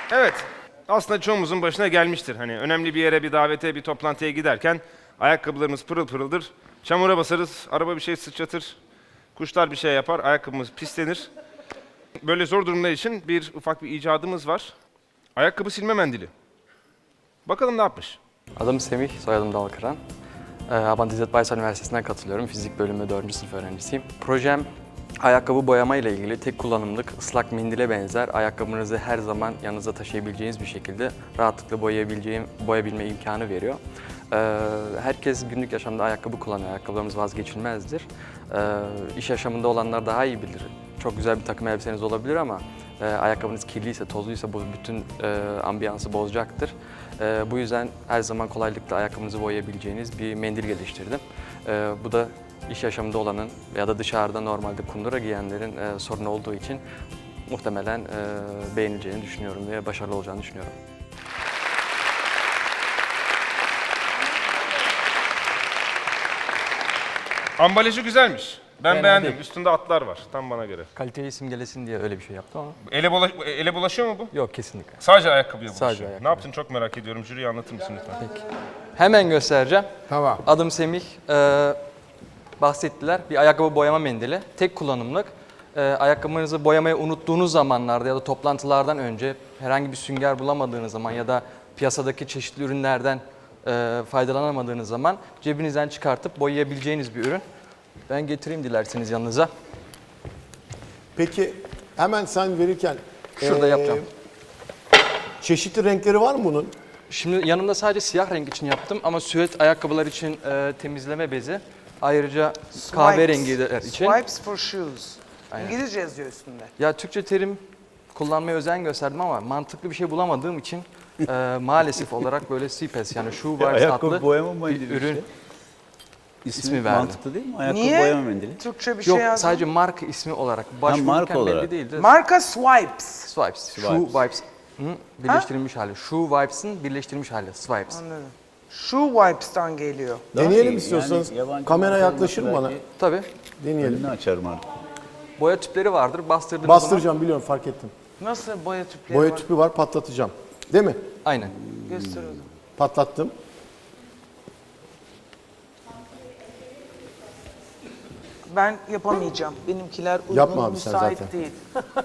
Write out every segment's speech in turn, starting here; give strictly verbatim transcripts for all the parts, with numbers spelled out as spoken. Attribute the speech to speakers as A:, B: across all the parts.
A: Evet, aslında çoğumuzun başına gelmiştir. Hani önemli bir yere, bir davete, bir toplantıya giderken ayakkabılarımız pırıl pırıldır. Çamura basarız, araba bir şey sıçratır, kuşlar bir şey yapar, ayakkabımız pislenir. Böyle zor durumlar için bir ufak bir icadımız var. Ayakkabı silme mendili. Bakalım ne yapmış?
B: Adım Semih, soyadım Dalkıran. Ee, Abant İzzet Baysal Üniversitesi'nden katılıyorum. Fizik bölümü dördüncü sınıf öğrencisiyim. Projem ayakkabı boyama ile ilgili tek kullanımlık ıslak mendile benzer ayakkabınızı her zaman yanınızda taşıyabileceğiniz bir şekilde rahatlıkla boyayabileceğim, boyayabilme imkanı veriyor. Ee, herkes günlük yaşamda ayakkabı kullanıyor. Ayakkabılarımız vazgeçilmezdir. Ee, iş yaşamında olanlar daha iyi bilir. Çok güzel bir takım elbiseniz olabilir ama e, ayakkabınız kirliyse, tozluysa bu bütün e, ambiyansı bozacaktır. E, bu yüzden her zaman kolaylıkla ayakkabınızı boyayabileceğiniz bir mendil geliştirdim. E, bu da iş yaşamında olanın ya da dışarıda normalde kundura giyenlerin e, sorunu olduğu için muhtemelen e, beğenileceğini düşünüyorum ve başarılı olacağını düşünüyorum.
A: Ambalajı güzelmiş. Ben
B: Fena
A: beğendim.
B: değil.
A: Üstünde atlar var. Tam bana göre.
B: Kaliteli isim gelesin diye öyle bir şey yaptım ama
A: Ele, bula- ele bulaşıyor mu bu?
B: yok kesinlikle.
A: Sadece ayakkabıya bulaşıyor.
B: Sadece ayakkabı.
A: Ne yaptın çok merak ediyorum. Jüriye anlatır mısın lütfen?
B: Peki. Hemen göstereceğim.
C: Tamam.
B: Adım Semih. Ee, bahsettiler. Bir ayakkabı boyama mendili. Tek kullanımlık. Ee, ayakkabınızı boyamayı unuttuğunuz zamanlarda ya da toplantılardan önce herhangi bir sünger bulamadığınız zaman ya da piyasadaki çeşitli ürünlerden e, faydalanamadığınız zaman cebinizden çıkartıp boyayabileceğiniz bir ürün. Ben getireyim dilerseniz yanınıza.
C: Peki hemen sen verirken
B: Şurada
C: eee,
B: yapacağım.
C: çeşitli renkleri var mı bunun?
B: Şimdi yanımda sadece siyah renk için yaptım ama süet ayakkabılar için e, temizleme bezi. Ayrıca kahverengiler için.
D: Swipes for shoes.
B: Aynen.
D: İngilizce yazıyor üstünde.
B: Ya Türkçe terim kullanmaya özen gösterdim ama mantıklı bir şey bulamadığım için e, maalesef olarak böyle C P E S yani Shoe Vibes
E: Ayakkabı
B: adlı
E: boyama
B: bir
E: mendili
B: ürün.
E: işte. İsmi,
B: ismi verdi.
E: mantıklı değil mi? Ayakkabı
D: Niye?
E: boyama mendili.
D: Türkçe bir
B: Yok
D: şey yazdı.
B: sadece marka ismi olarak.
E: marka
B: Başvururken
E: olarak.
B: belli değildi.
D: Marka Swipes.
B: Swipes. Shoe
E: Swipes.
B: Vibes. Hı, birleştirilmiş hali. Shoe Vibes'ın birleştirilmiş hali. Swipes.
D: Anladım. Shoe Wipes'tan geliyor.
E: Daha
C: Deneyelim
E: iyi.
C: istiyorsanız.
E: Yani yabancı
C: Kamera
E: marka
C: yaklaşır mı
E: olması
C: bana?
E: belki
B: Tabii.
C: Deneyelim.
E: Önünü açarım artık.
B: Boya tüpleri vardır. Bastırdığınız
C: Bastıracağım biliyorum fark ettim.
D: Nasıl boya tüpleri
C: Boya
D: var?
C: tüpü var patlatacağım. Değil mi?
B: zaman. Aynen.
D: Göster o zaman.
C: Patlattım.
D: Ben yapamayacağım. Benimkiler uygun,
C: Yapma abi sen
D: müsait
C: zaten.
D: değil.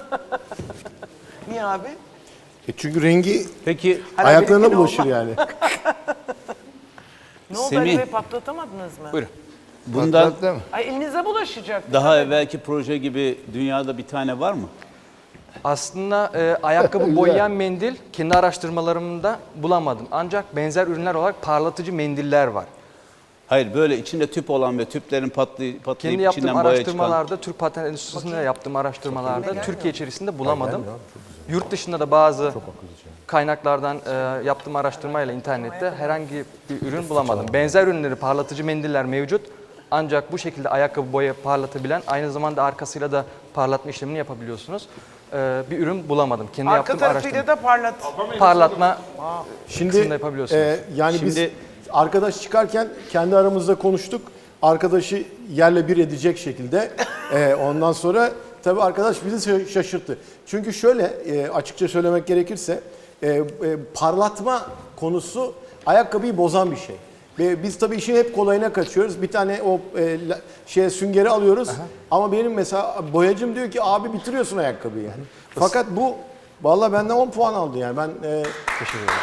D: Niye abi?
C: E çünkü rengi
E: Peki
D: Hala
C: ayaklarına
D: benimkine
C: bulaşır
D: olmaz.
C: yani.
D: Ne oldu
E: Semih.
D: Ali Bey, patlatamadınız mı?
B: Buyurun.
E: bundan
D: Ay elinize bulaşacak.
E: daha evvelki proje gibi dünyada bir tane var mı?
B: Aslında e, ayakkabı boyayan mendil kendi araştırmalarımda bulamadım. Ancak benzer ürünler olarak parlatıcı mendiller var.
E: Hayır, böyle içinde tüp olan ve tüplerin patlay patlayıp
B: Kendi yaptığım
E: içinden boya çıkan.
B: araştırmalarda, Türk Patent Enstitüsü'nde yaptığım araştırmalarda Türkiye içerisinde bulamadım. Yurt dışında da bazı kaynaklardan e, yaptığım araştırmayla internette herhangi bir ürün bulamadım. Benzer ürünleri parlatıcı mendiller mevcut. Ancak bu şekilde ayakkabı boya parlatabilen, aynı zamanda arkasıyla da parlatma işlemini yapabiliyorsunuz. E, bir ürün bulamadım. Kendi
D: Arka
B: yaptığım
D: tarafıyla
B: araştırma.
D: da parlat.
B: Parlatma
C: Şimdi
B: kısmında yapabiliyorsunuz.
C: e, yani
E: Şimdi-
C: biz arkadaş çıkarken kendi aramızda konuştuk. Arkadaşı yerle bir edecek şekilde. E, ondan sonra tabii arkadaş bizi şa- şaşırttı. Çünkü şöyle e, açıkça söylemek gerekirse e, e, parlatma konusu ayakkabıyı bozan bir şey. Ve biz tabii işin hep kolayına kaçıyoruz. Bir tane o e, la- şeye süngeri alıyoruz. Ama benim mesela boyacım diyor ki abi bitiriyorsun ayakkabıyı. Fakat bu vallahi benden on puan aldı yani. Ben e,
B: Teşekkür ederim.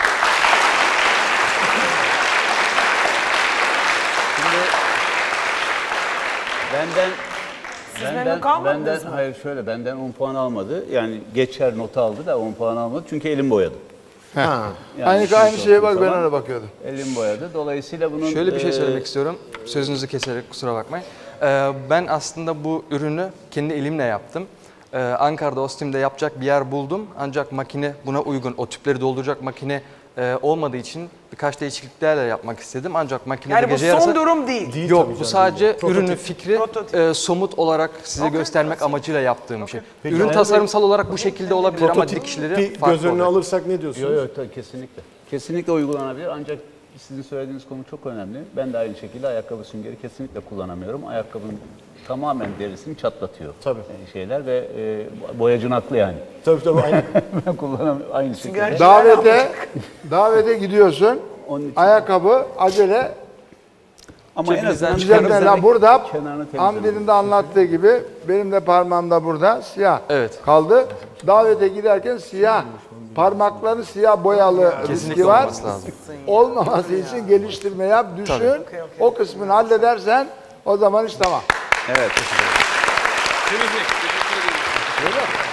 E: Benden
D: Siz memnun kalmadınız
E: benden,
D: mı?
E: hayır şöyle benden on puan almadı. Yani geçer not aldı da on puan almadı çünkü elim boyadı.
C: ha.
E: Yani
F: Aynı
E: şimdi
F: aynı şeye bak
E: sorduğum
F: ben
E: zaman
F: ona bakıyordum.
E: Elim boyadı. Dolayısıyla bunun
B: Şöyle bir şey
E: e,
B: söylemek istiyorum. Sözünüzü keserek kusura bakmayın. Ee, ben aslında bu ürünü kendi elimle yaptım. Ee, Ankara'da Ostim'de yapacak bir yer buldum. Ancak makine buna uygun. O tüpleri dolduracak makine e, olmadığı için birkaç değişikliklerle yapmak istedim. Ancak makinede
D: Yani bu
B: gece
D: son
B: yarısı...
D: durum değil.
C: Değil
B: Yok
C: tabii
B: bu
C: canım,
B: sadece
C: değil.
B: ürünün
C: Prototip.
B: fikri
D: Prototip.
B: e, somut olarak size
D: Okey.
B: göstermek amacıyla yaptığım bir şey.
C: Peki,
B: Ürün
C: yani
B: tasarımsal olarak bu şekilde olabilir ama
C: Prototip
B: dikişleri
C: bir
B: farklı
C: göz önüne
B: olacak.
C: alırsak ne diyorsunuz?
E: Yok yok tabii kesinlikle. Kesinlikle uygulanabilir ancak Sizin söylediğiniz konu çok önemli. Ben de aynı şekilde ayakkabı süngeri kesinlikle kullanamıyorum. Ayakkabının tamamen derisini çatlatıyor.
C: Tabii.
E: e, şeyler ve e, boyacın haklı yani.
C: Tabii tabii aynen.
E: Ben kullanamıyorum aynı şekilde.
D: Sünger-
F: Davete davete gidiyorsun.
E: Onun için-
F: Ayakkabı acele
E: Ama en azından
F: düzenle. La burada
E: kenarını temizlemek.
F: Hamdi'nin de anlattığı gibi benim de parmağım da burada siyah
B: Evet.
F: kaldı. Davete giderken siyah parmakları siyah boyalı riski
B: Kesinlikle
F: var.
B: olması lazım.
F: Olmaması için geliştirme yap, düşün.
B: Tabii.
D: Okey, okey.
F: O kısmını halledersen o zaman iş tamam.
E: Evet.
A: Temizlik. Teşekkür ederim.
F: Öyle mi?